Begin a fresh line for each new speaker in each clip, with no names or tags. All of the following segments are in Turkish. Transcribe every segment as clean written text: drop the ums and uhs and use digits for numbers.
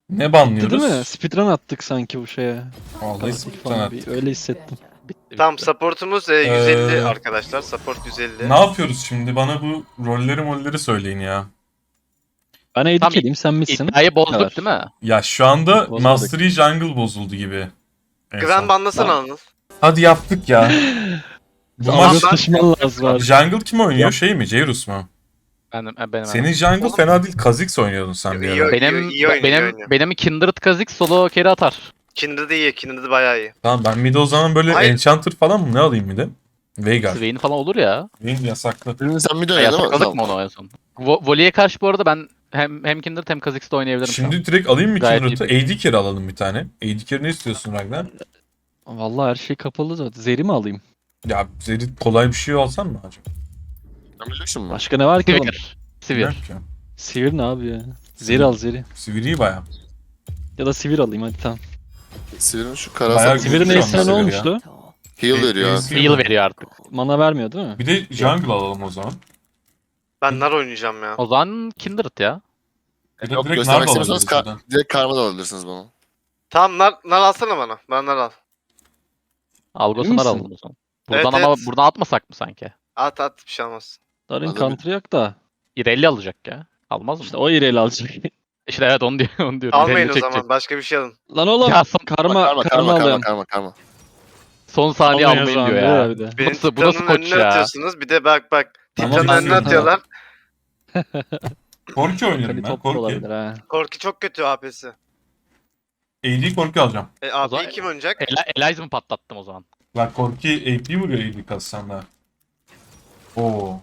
Ne
Değil
banlıyoruz?
mi? Speedrun attık sanki bu şeye.
Vallahi
Katil
sıkıntı
falan
attık.
öyle hissettim.
Tamam supportumuz 150 arkadaşlar. Support 150.
Ne yapıyoruz şimdi? Bana bu rolleri söyleyin ya.
Ben AD
Tam
carry'im sen misin?
İddiayı
Bu kadar.
bozduk değil mi?
Ya şu anda
Bozmadık.
Mastery Jungle bozuldu gibi. En
Güven
son.
banlasana Anıl.
Hadi yaptık ya. Bu
Ama
maç
ben-
taşıman lazım abi.
Jungle kim oynuyor? Şey mi? Jairus mu?
Benim.
Senin Jungle fena değil. Kha'Zix oynuyordun sen bir
İyi
ara.
oynuyor.
Benim
iyi oynuyor, iyi
benim
oynuyor.
benim Kindred Kha'Zix solo carry atar.
Kindred'ı iyi. Kindred'ı bayağı iyi.
Tamam ben mid o zaman böyle
Hayır.
Enchanter falan mı ne alayım mid'e? Veigar.
Swain falan olur ya.
Vayne yasaklı.
Birini sen bir de
Ya
oynadın mı?
yasakladık mı onu en son? Voli'ye karşı bu arada ben hem Kindred hem Kha'Zix'te oynayabilirim şu an.
Şimdi direkt alayım mı
Gayet
Kindred'ı? AD carry alalım bir tane. AD carry ne istiyorsun Ragnar?
Vallahi her şey kapalı zaten. Zeri mi alayım?
Ya Zeri kolay bir şey alsan mı acaba?
Sen biliyorsun mu?
Başka ne var ki oğlum?
Sivir.
Yok ya.
Sivir ne abi ya? Zeri al zeri.
Sivir iyi baya.
Ya da sivir alayım hadi tamam.
Sivir'in şu
Bayağı
karasal
güzel.
Sivir'in
Sivir
esine ne
ya.
olmuştu?
heal veriyor.
Heal veriyor artık.
Mana vermiyor değil mi?
Bir de jungle alalım o zaman.
Ben nar oynayacağım ya.
O zaman Kindred ya.
Bir de
Yok
direkt
göstermek
Nard
istemiyorsanız
alabiliriz buradan.
direkt karma da alabilirsiniz bunu.
Tamam nar alsana bana. Ben nar al.
Algos'u
Emin
nar
misin?
alalım o zaman. Buradan
Evet,
ama
evet.
buradan atmasak mı sanki?
At bir şey olmaz.
Darın
Alabilir.
counter yok da.
İrelli alacak ya. Almaz mı?
İşte o ireyle alacak.
İşte evet onu diyor onu diyorum.
Almayın
İrelli
o
çekecek.
zaman. Başka bir şey alın.
Lan oğlum
Ya
karma alıyorum.
Karma.
son saniye
Almayın o
almayın
zaman,
diyor
değil
ya.
mi bir de?
Benim
Bu nasıl
Titan'ın
koç
önüne
ya?
atıyorsunuz. Bir de bak.
Tamam,
Titan'ın
ben
önüne
diyorum.
atıyorlar.
Korki oynarım
Kali
ben.
top da
Korki.
olabilir ha.
Korki çok kötü AP'si.
AD Korki alacağım.
AP'yi
zaman-
kim oynayacak?
Eliza mı patlattım o zaman?
Bak Korki AP vuruyor AD kassanlar. Oo.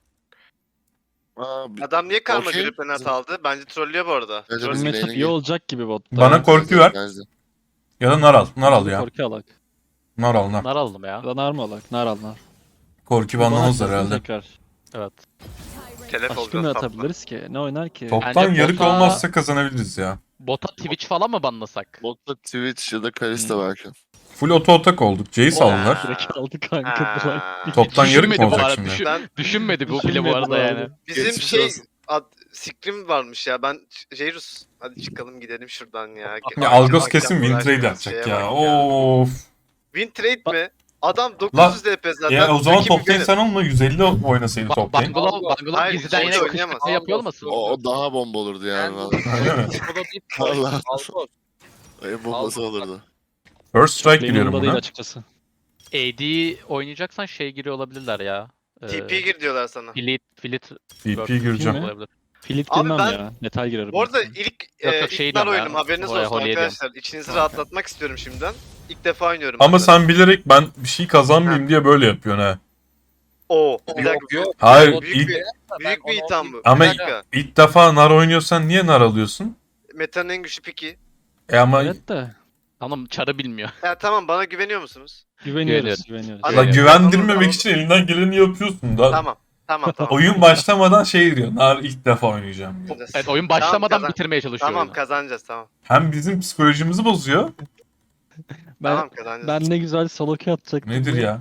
Adam niye karma
Okey.
görüp penaltı aldı? Bence trollüyor bu arada.
Evet,
Troll-
evet.
Matchup
lane'e
iyi
gir.
olacak gibi botta.
Bana korku ver. Ya da nar al. Nar al ya.
Korku alak.
Nar al nar.
Nar alalım ya.
Ya da nar mı alak? Nar al nar.
Korki
Bana
banlamazlar
atarsın
herhalde.
tekrar.
Evet.
Telef
Başka ne
olacağız tatlı.
atabiliriz ki? Ne oynar ki?
Toptan
Bence
yarık
bota-
olmazsa kazanabiliriz ya.
Bota Twitch falan mı banlasak?
Botta Twitch ya da Kalista belki.
Full auto atak olduk. Jace
Oha.
aldılar.
Direkt aldı kanka.
Ha.
Toptan yarık mı
Düşünmedi bu
olacak
arada,
şimdi?
Ben
Düşünmedi bu bile bu
Düşünmedi
arada
bu
yani.
arada.
bizim
Geçmiş
şey
olsun.
Scrim varmış ya. Ben Jairus. Hadi çıkalım gidelim şuradan ya.
Ya Algos
Akşam
kesin win trade
uğraştığımız
yapacak
şeye
ya.
bak
Of.
Win trade mi? Adam 900 DP zaten.
Ya o zaman
Rakibi
top lane
benim.
sen olma 150 oynasaydı top lane.
Bangala
Hayır,
gizliden yine
hiç
kış
oynayamaz.
kış yapıyor olmasın?
O daha bomba olurdu yani.
Öyle mi?
Vallahi. En bombası olurdu.
First strike
Benim
giriyorum
umurumda değil
buna.
açıkçası.
AD oynayacaksan şey giriyor olabilirler ya.
TP gir diyorlar sana.
Filit
TP gireceğim.
mi?
olabilir.
Filit
Abi
girmem
ben-
ya. Metal girerim.
Bu arada
ben.
ilk
Yok, şey
ilk nar
diyorum ya.
oyunum haberiniz
Oraya
olsun
Holy'ye
arkadaşlar. İçinizi rahatlatmak istiyorum şimdiden. İlk defa oynuyorum.
Ama
ben de.
sen bilerek ben bir şey kazanmayayım diye böyle yapıyorsun ha.
Oo, bir dakika.
Hayır
Büyük
ilk,
Büyük bir itham bu.
Ama
Bir dakika.
ilk defa nar oynuyorsan niye nar alıyorsun?
Meta'nın en güçlü piki.
Ama
Evet de.
Anam çarı bilmiyor.
Ya tamam bana güveniyor musunuz?
Güveniyoruz.
Hadi.
la
Evet.
güvendirmemek için elinden geleni yapıyorsun da.
Tamam.
Oyun başlamadan şey diyor. Nar ilk defa oynayacağım diyor.
Evet oyun başlamadan
Tamam,
bitirmeye çalışıyor
Tamam
oyunu.
kazanacağız tamam.
Hem bizim psikolojimizi bozuyor.
Ben,
Tamam kazanacağız.
ben ne güzel solo queue atacaktım.
Nedir ya?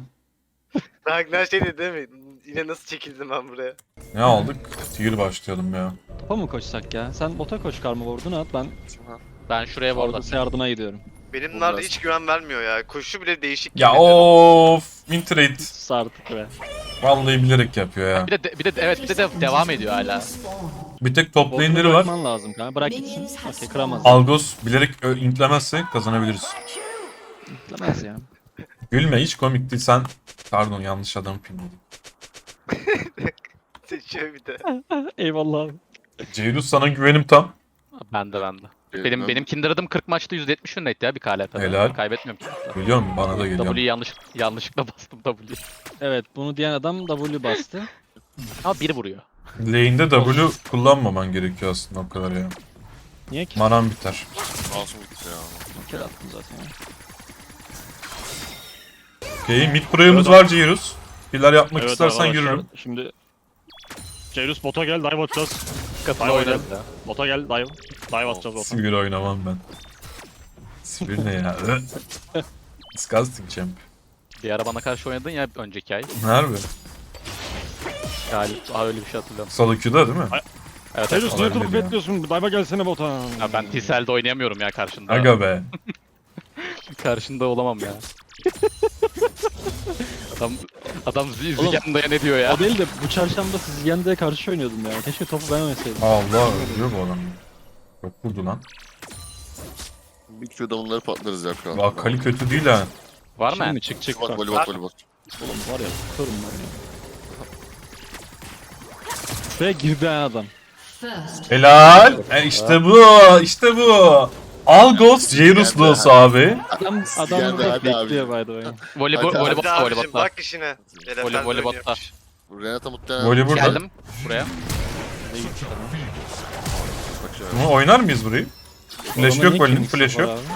Ragnar şey dedi değil mi? Yine nasıl çekildim ben buraya?
Ne aldık? Tigir başlayalım ya.
Topa mı koşsak ya? Sen bota koş karma ward'unu at ben
Ben şuraya vardım.
Vargas'a yardıma gidiyorum.
Benim
Bu
nar
biraz-
hiç güven vermiyor ya. Koşu bile değişik.
Ya
yemin ederim.
of, win trade.
Sus artık be.
Vallahi bilerek yapıyor ya.
Bir de devam ediyor hala.
Bir tek top
Ward'unu
lane'leri var.
bırakman lazım kanka. Bırak gitsin. Okey kıramaz.
Algos bilerek intlemezse kazanabiliriz.
Kıramaz ya.
Gülme hiç komik değil sen. Pardon yanlış adamı pinledim.
Seçiyor bir de.
Eyvallah abi.
Ceyrus sana güvenim tam.
Ben de. Benim Kindred'ım 40 maçta 170 win rate ya bir KLP'de.
Helal.
Kaybetmiyorum ki.
Biliyor musun? Bana da geliyor.
W'yi yanlışlıkla bastım W.
Evet bunu diyen adam W bastı.
Ama bir vuruyor.
Lane'de W kullanmaman gerekiyor aslında o kadar ya.
Niye ki?
Manan biter.
Masum gitti ya.
Bir kere attım zaten. ya.
Okey mid pro'yumuz var Ceyrus. Pilar yapmak
Evet
istersen
arkadaşlar,
yürürüm.
Şimdi Jairus bota gel dive atacağız.
Katına
Dive
oynarız
oynayalım.
ya.
Bota gel dive. Dive atacağız bota.
Sivir oynamam ben. Sivir ne ya? Disgusting champ.
Bir ara bana karşı oynadın ya önceki ay.
Harbi.
Galip. Öyle bir şey hatırlıyorum.
Solo queue'da değil mi?
Evet,
Jairus
evet.
niye
olabilir
durup
ya.
bekliyorsun? Dive'a gelsene bota.
Ya ben T-Cell'de oynayamıyorum ya karşında.
Aga be.
Karşında olamam ya. adam adam
Oğlum,
Zigende'ye ne diyor ya?
O değil de bu çarşamba siz Yende'ye karşı oynuyordum ya. Keşke topu ben oynasaydım.
Allah ölüyor bu adam. Çok vurdu lan.
Bir Q'da bunları patlarız ya kral.
Bak Kali kötü değil ha.
Var mı?
Şimdi
yani?
çık çık
Bak
bak.
voley bot voley bot.
Oğlum var ya tutarım ben ya. Şuraya girdi ha adam.
Helal. İşte bu. İşte bu. Al Ghost Jairus Loss abi.
Adam
Geldi,
burada
hadi abi.
bekliyor by the way.
Hadi,
Hadi
Voleybot'ta,
abicim
voleybot'ta.
bak işine.
Voley- voleybotta.
Renata muhtemelen.
Voley burada.
Geldim buraya.
Bak şöyle.
Bunu oynar mıyız burayı? Flash
Adamın
yok
niye
Voli'nin,
kimisi
flash
var
yok.
abi?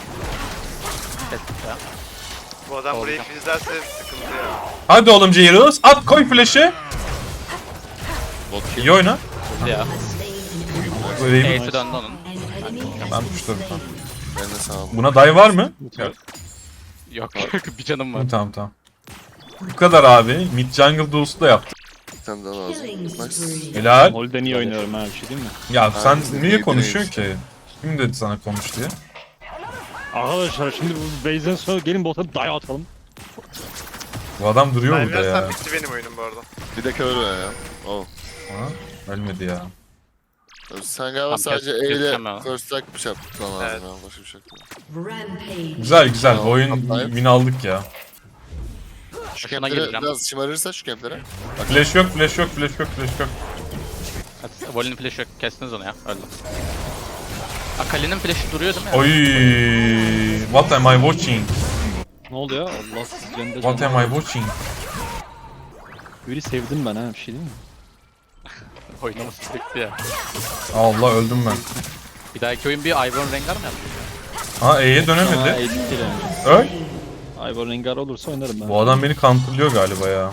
Bu adam burayı filizlerse sıkıntı ya.
Hadi oğlum Jairus. At koy flash'ı.
Bot kill.
İyi oyna.
Ya.
Böyle
Ace'i döndü onun.
ben tuşladım tamam.
Ben de sağ ol.
Buna dive var mı?
Yok.
Yok bir canım var.
Tamam tamam. Bu kadar abi. Mid jungle duel'su da yaptık.
Bir tane daha lazım. Nice.
Helal.
Holden iyi oynuyorum ha bir şey değil mi?
Ya sen
Aynen,
niye
iyi
konuşuyorsun ki? Kim dedi sana konuş diye?
Arkadaşlar şimdi bu base'den sonra gelin bota dive atalım.
Bu adam duruyor
Ben
burada ya.
versem bitti benim oyunum bu arada.
Bir de kör ver ya. Oh.
Ha? Ölmedi ya.
Sen galiba
Tamam,
sadece
kes-
E ile
keseceğim ben.
first strike bir şey yapman lazım
Evet.
ya. Başka bir şey yok.
Güzel güzel. Bu
Tamam,
oyun
tamam.
win aldık ya.
Şu
Başına
kemplere
gireceğim.
biraz şımarırsa şu kemplere.
Flash yok, flash yok, flash yok, flash yok.
Hadi, Voli'nin flash'ı yok. Kestiniz onu ya. Öldüm. Akali'nin flash'ı duruyor değil mi?
Oy, what am I watching?
Ne oluyor? Allah siz Yende
What am I watching?
Yuri sevdim ben ha bir şey değil mi?
Oynaması sürekli ya.
Allah öldüm ben.
Bir dahaki oyun bir Ivern Rengar mı yapacağız?
Ha E'ye
Ama
dönemedi.
elit değil yani.
Öl.
Ivor Rengar olursa oynarım ben.
Bu adam beni counterlıyor galiba ya.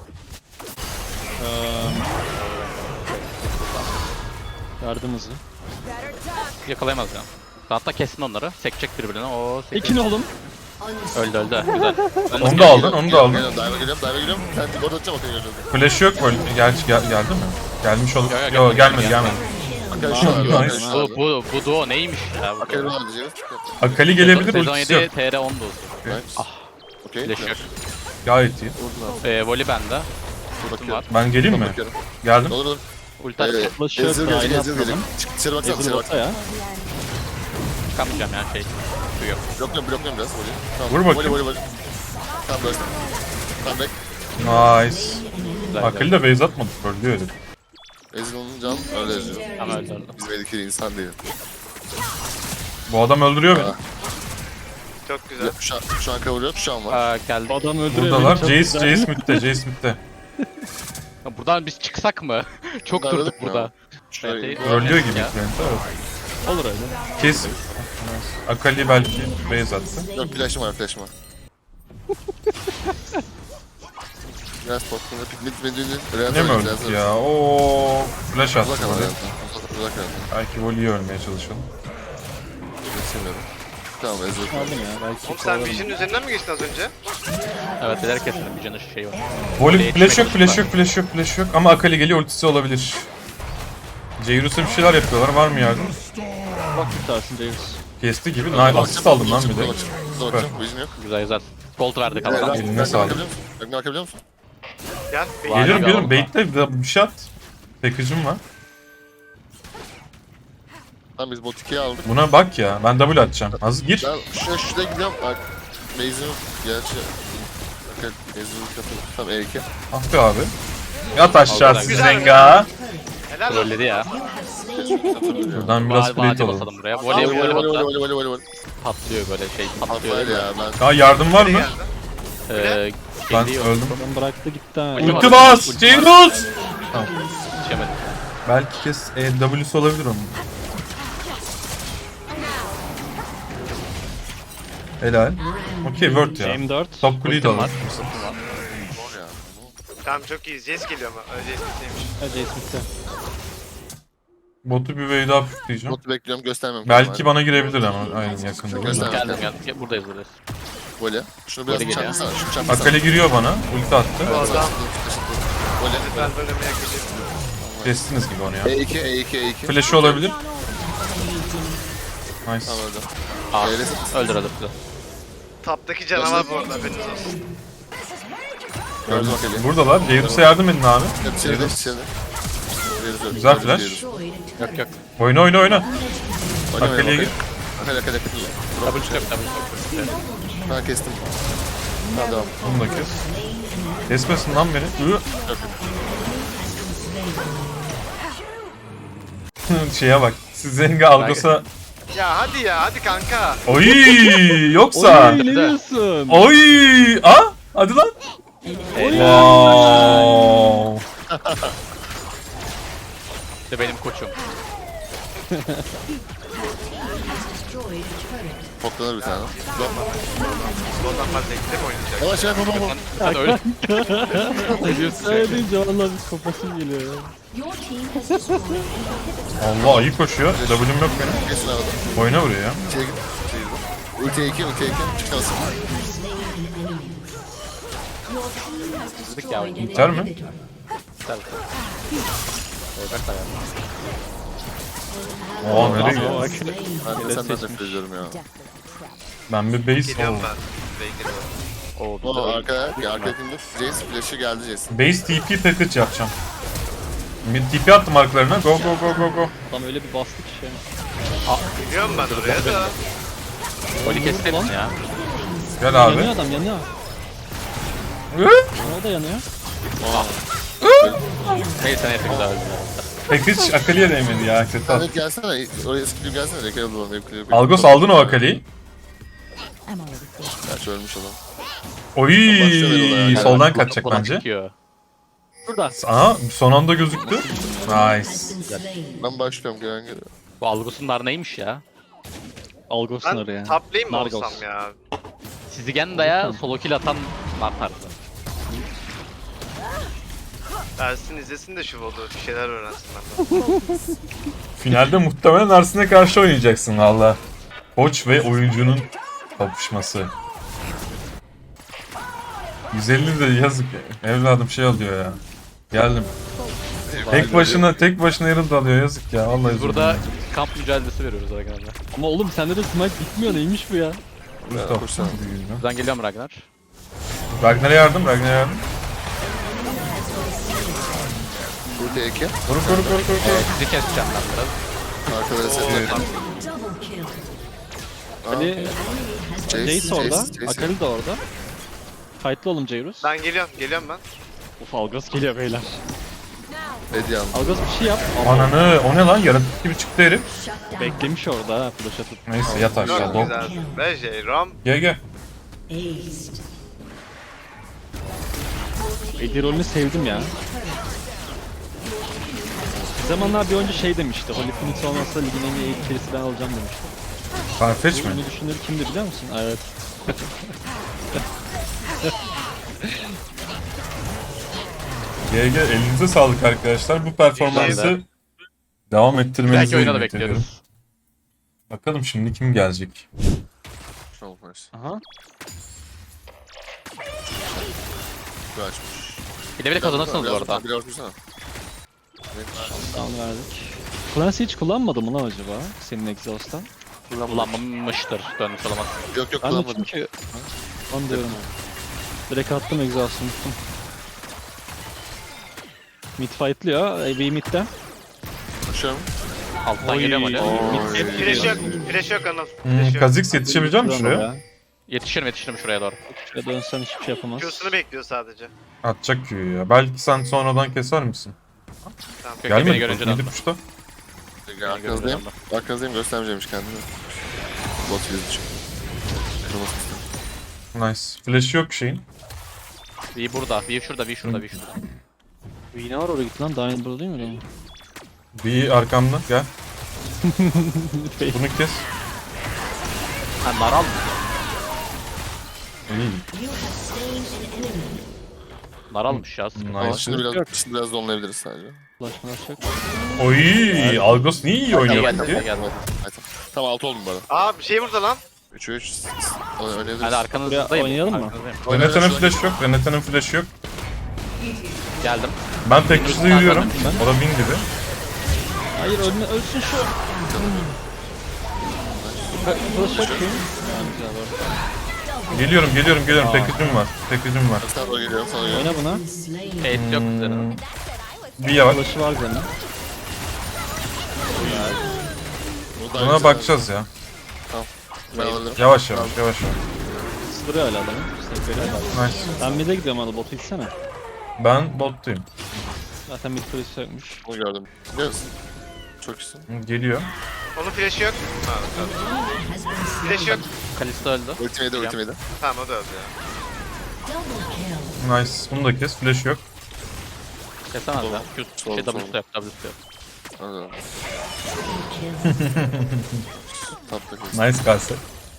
Yardımızı.
Yakalayamaz ya. Hatta kessin onları. Sekecek birbirine. O
İkin oğlum.
öldü öldü. Güzel.
Onu da aldın, onu da aldın.
Geliyorum, dive'a geliyorum. Sen de orada atacağım bakayım geliyorum.
Flash yok böyle. Geldi mi? Gelmiş olur.
Yok,
Yok gelmedi,
gelmedi.
gelmedi.
Akali şu an.
Nice.
Bu duo neymiş ya? Bu
Akali
duo.
var diyeceğiz.
Akali gelebilir,
Sezon
ultisi
7
yok.
TR 10 dozu.
Nice. Okey.
Flash yok.
Gayet iyi.
Voli bende. Ultim var.
Ben geleyim mi?
Bakıyorum.
Geldim.
Olur olur.
Ulti atacağım.
Flash yok,
Ezil
daha
gelecek,
iyi
Ezil
atmadım.
gelecek. Çık dışarı baksana,
Ezil
dışarı bak.
bota ya.
Çıkamayacağım ya şey. Su yok.
Blokluyorum biraz. Voley. Tamam.
Vur bakayım.
Voley. Tamam böyle. Tamam back.
Nice.
Güzel,
Akali de base atmadı. Öldü herif.
Ezil onun can öyle eziyor.
Ama öldü öldü.
Bizim eldeki insan değil.
Bu adam öldürüyor beni.
Çok güzel.
Şu an kavuruyor. Şu an var.
Geldi.
Adam öldürüyor.
Buradalar.
beni, çok
Jace
güzel.
midde.
Buradan biz çıksak mı? Çok
Darladık
durduk
mı
burada.
ya? Şöyle.
Evet,
Trollüyor gibi.
Ya.
Olur öyle.
Kes. Akali belki base attı.
Yok flash'ım var. Biraz potluğunda piknik medeni.
Ne mi öldük ya? Oo, flash attı
Uzak ama
böyle.
Uzak ama.
Belki Voli'yi ölmeye çalışalım.
Geçemiyorum. Tamam Ezil.
Aldım ya. Belki
Oğlum sen
kovalarım.
Vision üzerinden mi geçtin az önce?
Evet bilerek keselim. Bir canı şey var.
Voli flash yok,
Geçmek
flash yok. Ama Akali geliyor, ultisi olabilir. Jairus'a bir şeyler yapıyorlar. Var mı yardım?
Bak tutarsın Jairus.
Kesti gibi. Nice. Asist aldım lan bir de.
Bakacağım. Vision yok.
Güzel güzel. Gold verdik ama.
Eline sağlık.
Bakabiliyor musun?
Gel.
Var.
Gelirim. Bait'te bir şey at. Package'ım var.
Tamam biz bot 2'ye aldık.
Buna bak ya. Ben double atacağım. Az gir.
Ben şuraya gidiyorum. Bak. Base'im gerçi. Bakın Base'im kapı. Tamam E2.
Ah be abi. Yat aşağı
Güzel.
Zenga.
Helal olsun.
Trolledi ya.
Buradan biraz plate
Vadi
alalım.
basalım buraya. Voley
Voley.
patlıyor böyle şey. Patlıyor.
Var ya ben.
Ya yardım var mı? Ben
Geliyor.
öldüm.
Adam bıraktı gitti ha.
Ulti
Ulti bas! Jairus!
Yetişemedim.
Belki kes W'su olabilir onun. Helal. Okey word ya.
M4.
Top kuleyi de
Ultim
alalım.
var.
Zor ya.
Tamam çok iyi. Jace geliyor ama. Jace bittiymiş.
Hadi Smith'te.
Botu bir wave daha püfleyeceğim.
Botu bekliyorum göstermem.
Belki bana girebilir ama aynen yakında.
Göster.
Geldim geldim. Buradayız.
Voley. Şunu biraz
Voley geliyor.
çarpsana. Şunu çarpsana.
Akali giriyor bana. Ulti attı.
Bu adam
Voley.
ben bölümeye gideyim.
Kestiniz gibi onu ya.
E2.
Flash'ı olabilir. Nice.
Tamam öldü.
Aa,
Öyle
öldür.
Taptaki canavar bu arada haberiniz olsun.
gördüm Akali.
Buradalar. Jairus'a yardım edin abi.
İçeride.
Güzel flash.
Yok.
Oyna.
Oynamayalım
Akali'ye gir.
Akali.
Double step.
Ben kestim. Tamam devam.
Bunu da kes. Kesmesin lan beni. Şeye bak. Siz Zenga Algos'a...
Ya hadi kanka.
Oy yoksa.
Oy ne diyorsun?
Oy. Hadi lan. Wow.
De benim koçum.
Poklanır bir tane.
Ondan ben zevkle mi oynayacak?
Yavaş yapamam.
Sen öyle. Ne diyorsun sen?
Öyle deyince vallahi bir kopasım geliyor ya.
Allah ayı koşuyor. W'm yok benim.
Kesin havada.
Oyna buraya ya.
İçeri git. Ultiye 2. Çıkarsın.
Dedik ya.
Biter mi? Oha nereye gidiyor?
Ben de senden nefret ediyorum ya.
Ben bir base...
Geliyorum
Oo.
ben. Beygir var.
Oo,
O arkadakinde Jace flash'ı geldi Jace'in.
Base TP package yapacağım. Bir TP attım arkalarına. Go.
Tam öyle bir bastık şey.
Geliyorum ben oraya da.
Oli kestin ya.
Gel abi.
Yanıyor adam yanıyor.
Hı?
O da yanıyor.
Neyse neyse güzel öldü.
Package Akali'ye değmedi ya. Kötü
Sen
attı.
de gelsene. Oraya skill'im gelsene. Rekal bulalım.
Algos aldın o Akali'yi.
Gerçi ölmüş adam.
Oy, soldan kaçacak
Buna
bence.
çıkıyor.
Burada.
Aha, son anda gözüktü. Nice.
Ben başlıyorum gelen geliyor.
Bu Algos'un dar neymiş ya?
Algos'un
Ben
oraya.
top lane mi
Nargos.
olsam ya?
Sizigenda'ya solo kill atan nar tarzı.
Ersin izlesin de şu vodu. Bir şeyler öğrensin benden.
Finalde muhtemelen Ersin'e karşı oynayacaksın valla. Koç ve oyuncunun kapışması. 150 de yazık ya. Evladım şey alıyor ya. Geldim. Tek başına Herald alıyor yazık ya. Vallahi
Biz burada kamp mücadelesi veriyoruz arkadaşlar.
Ama oğlum sende de smite bitmiyor neymiş bu ya?
Mustafa.
Koşsana.
Buradan geliyorum Ragnar.
Ragnar'a yardım.
Ultiye 2.
Koru.
Sizi keseceğim ben biraz.
Arkada reset.
Ali Jace orada. Akali de orada. Fight'lı oğlum Jairus.
Ben geliyorum ben.
Uf Algos geliyor beyler.
Ediyan.
Algos bir şey yap.
Ananı o ne lan? Yaratık gibi çıktı herif.
Beklemiş orada ha flash atıp.
Neyse yat aşağı.
Çok
Dog.
güzel. Ve J-Ram.
Gel.
Eddie rolünü sevdim ya. Bir zamanlar bir oyuncu şey demişti. Holy Phoenix olmazsa ligin en iyi ikilisi ben alacağım demişti.
Farfetch mi?
Bunu düşünür kimdi biliyor musun? Evet.
GG elinize sağlık arkadaşlar. Bu performansı devam ettirmenizi
Belki oyuna da
ümit ediyorum.
bekliyoruz.
Bakalım şimdi kim gelecek?
Olmaz.
Aha.
Bu açmış.
Bile bile kazanırsınız bu arada.
Biraz dursana.
Down verdik. Clancy hiç kullanmadı mı lan acaba? Senin Exhaust'tan.
Kullanmamıştır. Dönmüş olamaz.
Yok
Ben de
kullanmadım.
çünkü... Onu diyorum. Direkt attım Exhaust'u unuttum. Mid fightlıyor. AB mid'de.
Koşuyorum.
Alttan geliyorum Ali.
Flash yok Anıl. Flash yok.
Kazix yetişebilecek misin şuraya?
Yetişirim şuraya doğru.
Şuraya dönsen hiçbir şey yapamaz.
Q'sunu bekliyor sadece.
Atacak Q'yu ya. Belki sen sonradan keser misin?
Kökte beni
Gelmedi.
görünce
Midi
döndü.
puşta.
Arkanızdayım. Arkanızdayım göstermeyeceğimmiş kendini. Bot yüzü kırmızı.
Nice. Flash yok şeyin.
V burada. V şurada.
Yine var oraya git lan. Daha burada değil mi lan?
Bir arkamda gel. Bunu kes.
Ha naral mı?
İyi.
Naralmış ya. Sıkıntı.
Nice.
Şimdi biraz donlayabiliriz sadece.
Ulaşmalar yok.
Oy, Algos niye iyi oynuyor
Geldi
peki?
geldi.
Tamam 6 oldum bu arada.
Aa bir şey burada lan.
3'e 3 oynayabiliriz.
Hadi arkanızdayım.
Oynayalım mı?
Arkanızdayım.
Renata'nın flash yok. Renata'nın flash yok.
Geldim.
Ben tek kişide yürüyorum.
Ben-
O da bin gibi.
Hayır ölsün şu. Burası çok iyi.
Geliyorum. Package'im var.
Sana doğru geliyorum, sana geliyorum.
Oyna buna.
Kate yok üzerine.
Bir yavaş.
Flash'ı var Zen'in.
Bu da
Buna
güzel.
bakacağız ya.
Ben alırım.
Yavaş.
Sırıyor hala adamı. Snake veriyor.
Nice.
Ben mid'e gidiyorum hala botu gitsene.
Ben bottayım.
Zaten mid kulesi yokmuş.
Bunu gördüm. Biliyor musun? Çok iyisin.
Geliyor.
Onun flash'ı yok. Ha, tamam. Flash'ı yok.
Kalista öldü.
Ultimate.
Tamam o da öldü ya.
Nice. Bunu da kes. Flash yok.
Kesemez ya.
Sol,
Şey
sol.
W'su yok. W'su yok.
Anladım. Tapta kes.
Nice kalse.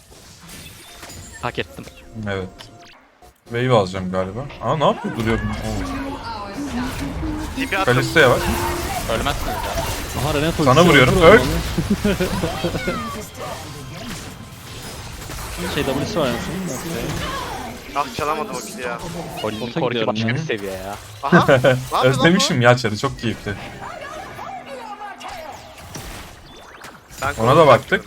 Hak ettim.
Evet. Wave alacağım galiba. Aa ne yapıyor duruyor bu?
TP attım.
Kalista yavaş.
Ölmezsiniz ya.
Aha Renet ultisi.
Sana vuruyorum.
Vur
Öl.
onu. Şey W'si var anasını.
Ah çalamadım o kili ya.
Volinin
Bota
korku
gidiyorum
başka
ya.
bir seviye ya.
Aha. Ne yapıyor lan bu?
Özlemişim ya çarı. Çok keyifli.
Ben
Ona da baktık.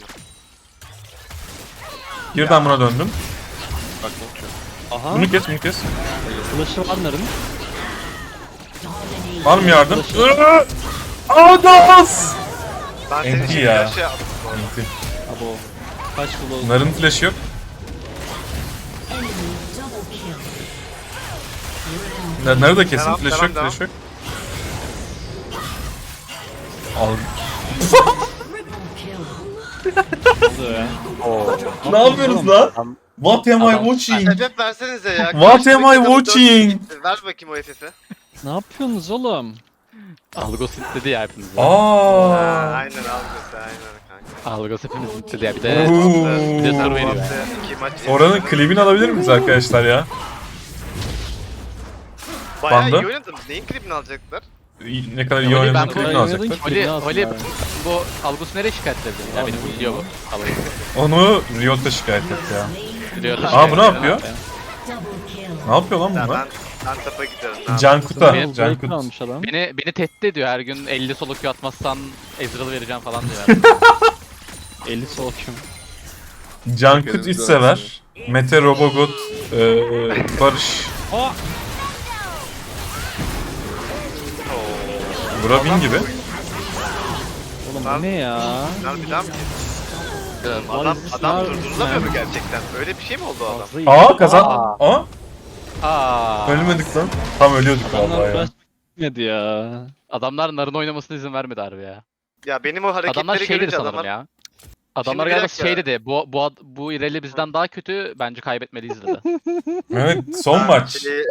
Birden buna döndüm.
Bak bakıyor.
Aha.
Bunu kes.
Flash'ı var Nar'ın.
Var mı yardım? Adas!
Ben senin
NT
için
ya.
flash yaptım.
Abo. Kaç kilo?
Bunların flash'ı yok. Narı da kesin.
Devam,
Flash yok.
devam.
Flash yok. Al.
oluyor ya?
Ne yapıyoruz lan? What am I watching?
FF versenize ya.
What am I
Karşıdaki kadın
watching?
dört- Ver bakayım o FF'i.
Ne yapıyorsunuz oğlum?
Algos dedi ya hepimizi.
Ha,
Aa.
aynen algısı aynen kanka.
Algos hepimizi dedi ya. Bir de
Oo.
bir de soru veriyor ya.
İki maç
Oranın klibini alabilir miyiz arkadaşlar ya?
Bayağı
Bandı.
iyi oynadın. Neyin klibini alacaklar?
Ne kadar iyi
Holly,
oynadığını
ben
klibini
oynadığım
alacaklar.
ki-
Holly,
Klibini alsın
Holly
abi.
bu Algos nereye şikayet edildi? Ya benim biliyor bu. Algos.
Onu Riot'a şikayet etti ya.
Biliyor.
Aa bu ne yapıyor? Ne yapıyor lan
Ya
bunlar?
ben tapa gidiyorum. ne yapayım?
Cankut'a.
Benim-
Cankut.
almış adam.
Beni tehdit ediyor her gün 50 solo Q atmazsan Ezreal'ı vereceğim falan diyor.
50 sol kim?
Cankut iç sever. Mete Robogot. Barış. Bura bin gibi.
Oğlum
Lan-
bu ne ya?
Lan bir daha mı?
Gel.
Adam durdurulamıyor mu gerçekten? Öyle bir şey mi oldu o adam?
Fazla iyi.
Aa kazan. Aa
Aa.
ölmedik lan. Tam ölüyorduk
Adamlar
vallahi ya.
flash gitmedi ya.
Adamlar narın oynamasına izin vermedi harbi ya.
Ya benim o
Adamlar
hareketleri
şey dedi
görünce
sanırım
adamlar...
ya. Adamlar
Şimdi bir
galiba
dakika.
şey dedi. Bu İreli bizden daha kötü. Bence kaybetmeliyiz dedi.
Evet son maç.